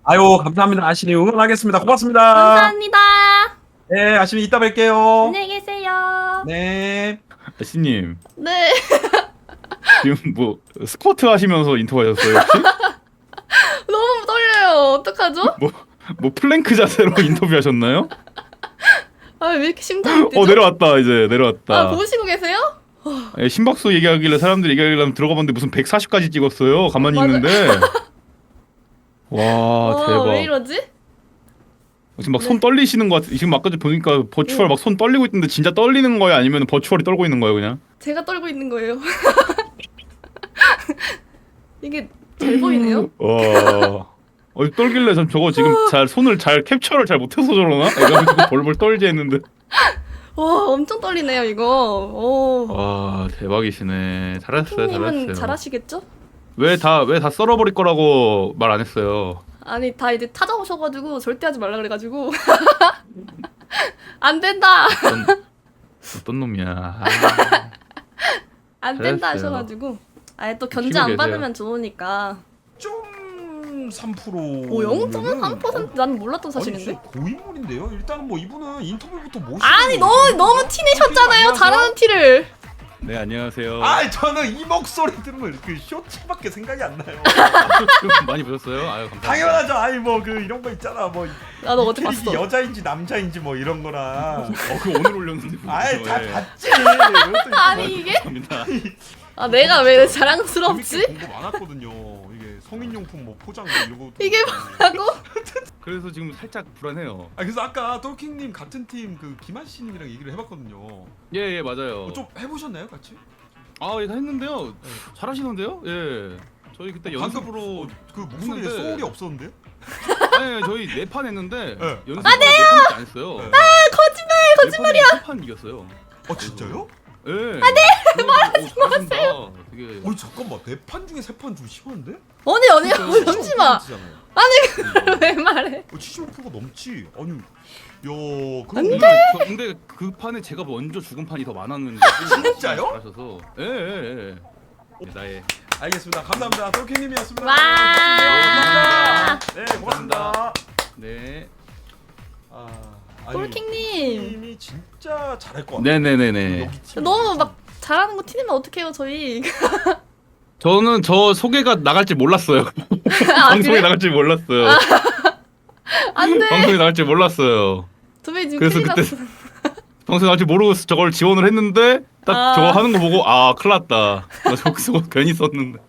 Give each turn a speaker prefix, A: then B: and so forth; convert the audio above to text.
A: 아유, 감사합니다. 아시니 응원하겠습니다. 고맙습니다.
B: 감사합니다.
A: 네, 아시니 이따 뵐게요.
B: 안녕히 계세요.
A: 네.
C: 아씨님
B: 네.
C: 지금 뭐 스쿼트 하시면서 인터뷰하셨어요 혹시?
B: 너무 떨려요. 어떡하죠?
C: 뭐 플랭크 자세로 인터뷰하셨나요?
B: 아, 왜 이렇게 심장이 뛰죠?
C: 내려왔다 이제 내려왔다.
B: 아, 보시고 계세요?
C: 예, 심박수 얘기하길래 사람들이 얘기하길래 들어가 봤는데 무슨 140까지 찍었어요. 가만히
B: 맞아.
C: 있는데. 와 대박.
B: 왜 이러지?
C: 지금 막 손 떨리시는 것 같아. 지금 아까 전에 보니까 버추얼 막 손 떨리고 있는데 진짜 떨리는 거예요? 아니면 버추얼이 떨고 있는 거예요 그냥?
B: 제가 떨고 있는 거예요. 이게 잘 보이네요.
C: 와. 떨길래 전 저거 지금 잘 손을 잘 캡처를 잘 못해서 저러나? 이거 지금 벌벌 떨지 했는데.
B: 와, 엄청 떨리네요, 이거. 오.
C: 와 대박이시네. 잘했어요
B: 님은
C: 잘했어요.
B: 잘하시겠죠?
C: 왜 다 썰어버릴 거라고 말 안 했어요?
B: 아니, 다 이제 찾아오셔가지고 절대 하지 말라 그래가지고 안 된다.
C: 어떤 놈이야. 아,
B: 안 된다
C: 잘했어요.
B: 하셔가지고. 아예 또 견제
C: 쉬고
B: 안
C: 계세요.
B: 받으면 좋으니까.
A: 0.3%.
B: 오, 0.3%? 난 몰랐던 사실인데.
A: 고인물인데요. 일단은 뭐 이분은 인터뷰부터 모시고.
B: 아니, 너무 티 내셨잖아요.
A: 안녕하세요.
B: 잘하는 티를.
C: 네 안녕하세요.
A: 아, 저는 이 목소리 들으면 그 쇼츠밖에 생각이 안 나요.
C: 좀 많이 보셨어요? 아유 감사합니다.
A: 당연하죠. 아니 뭐 그 이런 거 있잖아. 뭐
B: 나도 어제
A: 캐릭이
B: 봤어.
A: 여자인지 남자인지 뭐 이런 거나.
C: 그 오늘 올렸는데.
A: 아이 다
C: 예.
A: 봤지. 이것도
B: 아니, 이게?
C: 감사합니다.
B: 아, 내가 왜
A: 재밌게
B: 자랑스럽지?
A: 공부 많았거든요. 이게 성인용품 뭐 포장 뭐 이런 거.
B: 이게 뭐라고?
C: 그래서 지금 살짝 불안해요.
A: 아, 그래서 아까 똘킹님 같은 팀 그 김한 씨님이랑 얘기를 해봤거든요.
C: 예 맞아요.
A: 좀 해보셨나요, 같이?
C: 아 예, 다 했는데요. 잘하시는데요? 예. 저희 그때 연습으로
A: 그 목소리에
C: 했는데-
A: 소울이 없었는데요?
C: 네 저희 4판 했는데
A: 네.
C: 연습 아 네요. 4판밖에 안 했어요.
A: 네.
B: 거짓말이야.
C: 3판 이겼어요.
A: 아, 진짜요?
C: 예. 아 네. 말하지 마세요. 되게
A: 어이, 잠깐만, 4판 중에 3판 좀 심한데?
B: 아니,
C: 그러니까
B: 잠시만.
A: 75%잖아요.
B: 왜 말해?
A: 75%가 넘지. 아니, 야,
C: 근데 그 판에 제가 먼저 죽은 판이 더 많았는데
A: 진짜요?
C: 잘하셔서 예. 나의
A: 알겠습니다. 감사합니다. 똘킹님이었습니다.
B: 와.
A: 감사합니다. 네, 고맙습니다.
C: 네.
B: 똘킹님.
A: 똘킹님이 진짜 잘할 것 같아요.
C: 네네네네.
A: 여기 팀
B: 너무 막 잘하는 거 티내면 어떡해요, 저희.
C: 저는 저 소개가 나갈 줄 몰랐어요.
B: 아,
C: 방송에
B: 그래?
C: 나갈 줄 몰랐어요.
B: 안 돼.
C: 방송에 나갈 줄 몰랐어요.
B: 저희 지금
C: 그래서
B: 큰일
C: 그때
B: 났어.
C: 방송에 나갈 줄 모르고 저걸 지원을 했는데 딱
B: 아.
C: 저거 하는 거 보고 아 큰일 났다. 나 저거 괜히 썼는데.